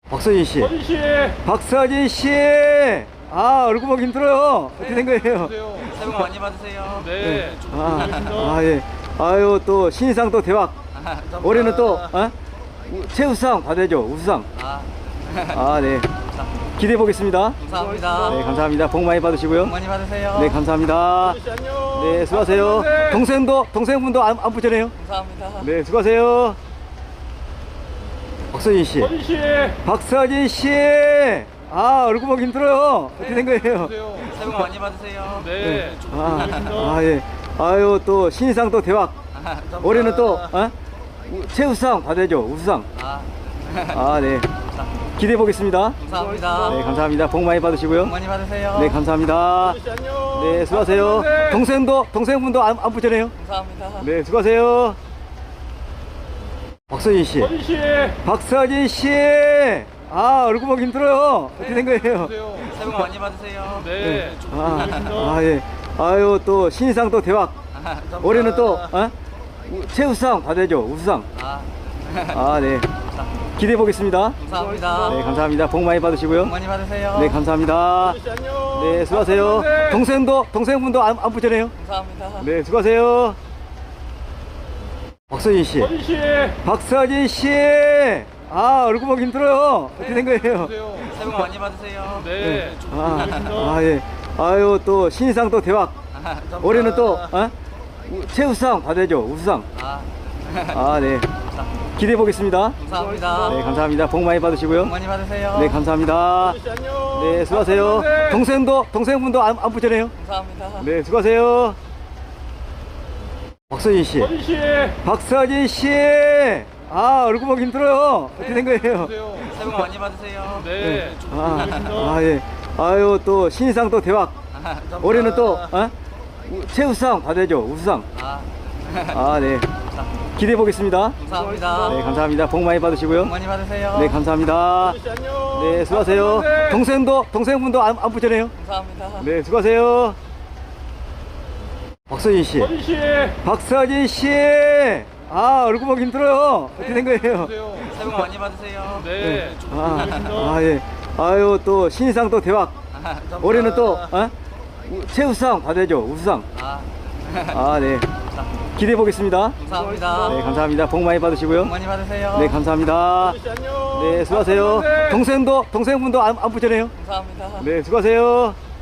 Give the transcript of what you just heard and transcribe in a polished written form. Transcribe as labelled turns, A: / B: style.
A: 박서진 씨.
B: 서진 씨.
A: 박서진 씨. 아, 얼굴 보기 힘들어요. 어떻게 된 거예요?
C: 새해 복 많이 받으세요.
B: 네. 좀
A: 아, 예. 아유, 또 신인상 또 대박. 올해는 또 최우수상 받아야죠. 우수상. 아, 네. 기대해 보겠습니다.
C: 감사합니다.
A: 네, 감사합니다. 복 많이 받으시고요.
C: 복 많이 받으세요.
A: 네, 감사합니다.
B: 서진 씨 안녕.
A: 네, 수고하세요. 동생분도 안 붙잖아요.
C: 감사합니다.
A: 네, 수고하세요. 박서진 씨.
B: 서진 씨.
A: 박서진 씨. 아, 얼굴 보기 힘들어요. 어떻게 된 거예요?
C: 새해 복 많이 받으세요.
B: 네. 좀
A: 예. 아유, 또 신인상 또 대박. 올해는 또 최우수상 받아야죠. 우수상. 아, 네. 기대해 보겠습니다.
C: 감사합니다.
A: 네, 감사합니다. 복 많이 받으시고요.
C: 복 많이 받으세요.
A: 네, 감사합니다.
B: 서진 씨 안녕.
A: 네, 수고하세요. 동생분도 안 붙잖아요.
C: 감사합니다.
A: 네, 수고하세요. 박서진 씨.
B: 서진 씨.
A: 박서진 씨. 아, 얼굴 보기 힘들어요. 어떻게 된 거예요?
C: 새해 복 많이 받으세요.
B: 네. 좀
A: 예. 아유, 또 신인상 또 대박. 올해는 또 최우수상 받아야죠. 우수상. 아, 네. 기대해 보겠습니다.
C: 감사합니다.
A: 네, 감사합니다. 복 많이 받으시고요.
C: 복 많이 받으세요.
A: 네, 감사합니다.
B: 서진 씨 안녕.
A: 네, 수고하세요. 동생분도 안 붙잖아요.
C: 감사합니다.
A: 네, 수고하세요. 박서진 씨.
B: 서진 씨.
A: 박서진 씨. 아, 얼굴 보기 힘들어요. 어떻게 된 거예요?
C: 새해 복 많이 받으세요.
B: 네. 좀
A: 예. 아유, 또 신인상 또 대박. 올해는 또 최우수상 받아야죠. 우수상. 아, 네. 기대해 보겠습니다.
C: 감사합니다.
A: 네, 감사합니다. 복 많이 받으시고요.
C: 복 많이 받으세요.
A: 네, 감사합니다.
B: 서진 씨 안녕.
A: 네, 수고하세요. 동생분도 안 붙잖아요.
C: 감사합니다.
A: 네, 수고하세요. 박서진 씨.
B: 서진 씨.
A: 박서진 씨. 아, 얼굴 보기 힘들어요. 어떻게 된 거예요?
C: 새해 복 많이 받으세요.
B: 네. 좀
A: 예. 아유, 또 신인상 또 대박. 올해는 또 최우수상 받아야죠. 우수상. 아, 네. 기대해 보겠습니다.
C: 감사합니다.
A: 네, 감사합니다. 복 많이 받으시고요.
C: 복 많이 받으세요.
A: 네, 감사합니다.
B: 서진 씨 안녕.
A: 네, 수고하세요. 동생분도 안 붙잖아요.
C: 감사합니다.
A: 네, 수고하세요. 박서진 씨.
B: 서진 씨.
A: 박서진 씨. 아, 얼굴 보기 힘들어요. 어떻게 된 거예요?
C: 새해 복 많이 받으세요.
B: 네. 좀
A: 예. 아유, 또 신인상 또 대박. 올해는 또 최우수상 받아야죠. 우수상. 아, 네. 기대해 보겠습니다.
C: 감사합니다.
A: 네, 감사합니다. 복 많이 받으시고요.
C: 복 많이 받으세요.
A: 네, 감사합니다.
B: 서진 씨 안녕.
A: 네, 수고하세요. 동생분도 안 붙잖아요.
C: 감사합니다.
A: 네, 수고하세요.